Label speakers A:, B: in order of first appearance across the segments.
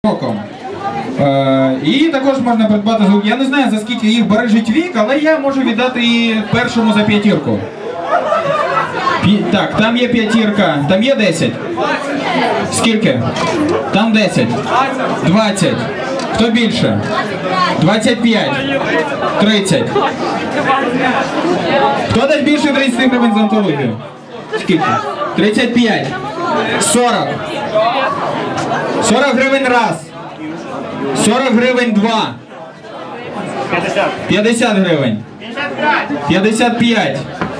A: роком. І також можна придбати звук. Я не знаю, за скільки їх бережить вік, але я можу віддати і першому за п'ятірку. Так, там є п'ятірка, там є 10. Скільки? Там 10. 20. Хто більше? 25. 30. Хто дасть більше 30 гривень за антологію? Скільки? 35. 40. 40 гривень раз. 40 гривень два. 50 гривень. 55.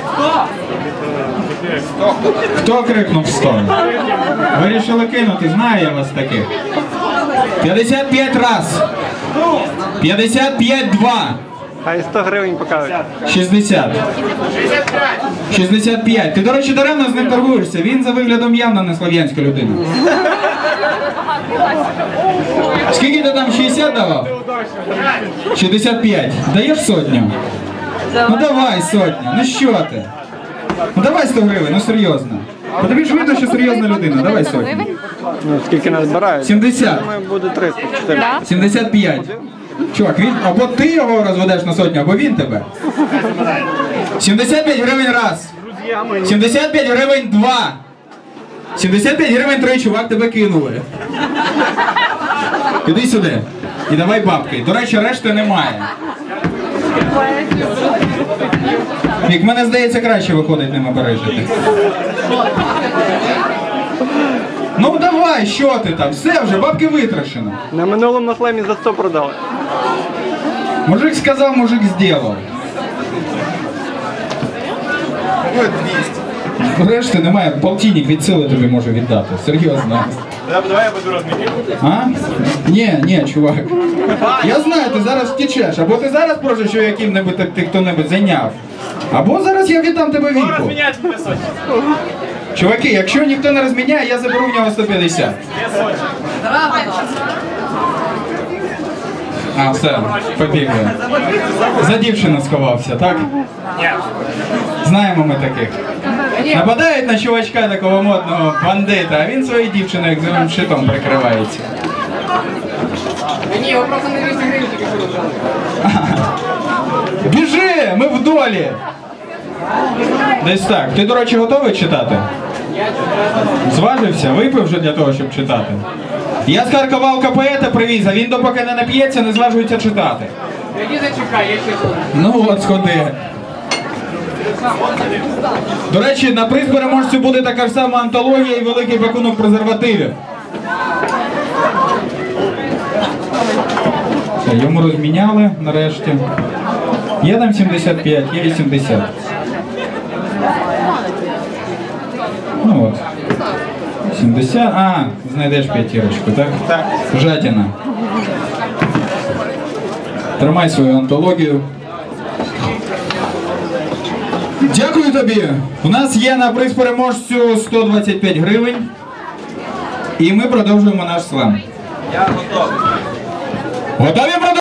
A: Хто крикнув 100? Вирішили кинути, знаю я вас таких. 55 раз. 55 два.
B: А і 100 гривень покажуть.
A: 60. 65. Ти, до речі, даремно з ним торгуєшся. Він за виглядом явно не слов'янська людина. Скільки ти там, 60 давав? 65. Даєш сотню? Ну давай сотню. Ну що ти? Ну давай 100 гривень, ну серйозно. Бо тобі ж видно, що серйозна людина. Давай сотню.
B: Ну, скільки нас збирають?
A: 70.
B: Думаю, буде 300, 400.
A: 75. Чувак, він, або ти його розведеш на сотню, або він тебе. 75 гривень раз. 75 гривень два. 75 гривень три, чувак, тебе кинули. Іди сюди. І давай бабки. До речі, решти немає. Мік, мене здається, краще виходить ними бережити. Ну давай, що ти там? Все вже, бабки витрачено.
B: На минулому слемі за 100 продали.
A: Мужик сказав, мужик зробив. Решти немає, полтинник від сили тобі можу віддати. Серйозно.
C: Давай я буду розмітити.
A: А? Ні, чувак. Я знаю, ти зараз втічеш. Або ти зараз прожиш, що яким-небудь ти хто-небудь зайняв. Або зараз я віддам тебе віку.
C: Розміняйте мене сотні.
A: Чуваки, якщо ніхто не розміняє, я заберу в нього 150. А, все, побігли. За дівчину сховався, так?
C: Ні.
A: Знаємо ми таких. Нападають на чувачка такого модного бандита, а він своєю дівчиною як зеленим щитом прикривається.
D: Ні, його просто не 200 гривень тільки що дали.
A: Біжи, ми в долі! Десь так. Ти, до речі, готовий читати? Зважився? Випив вже для того, щоб читати? Я з Харкова поета привіз, а він допоки не нап'ється, не зважується читати.
D: Які зачекай, я ще тут.
A: Ну от, сходи. До речі, на приз переможцю буде така ж сама антологія і великий пакунок презервативів. Все, йому розміняли нарешті. Є там 75, є 80. Ну от. 70. А, знайдеш п'ятірочку, так?
B: Так.
A: Жадіна. Тримай свою антологію. Дякую тобі. У нас є на приз переможцю 125 гривень. І ми продовжуємо наш слем.
C: Я готовий.
A: Готові продовжувати?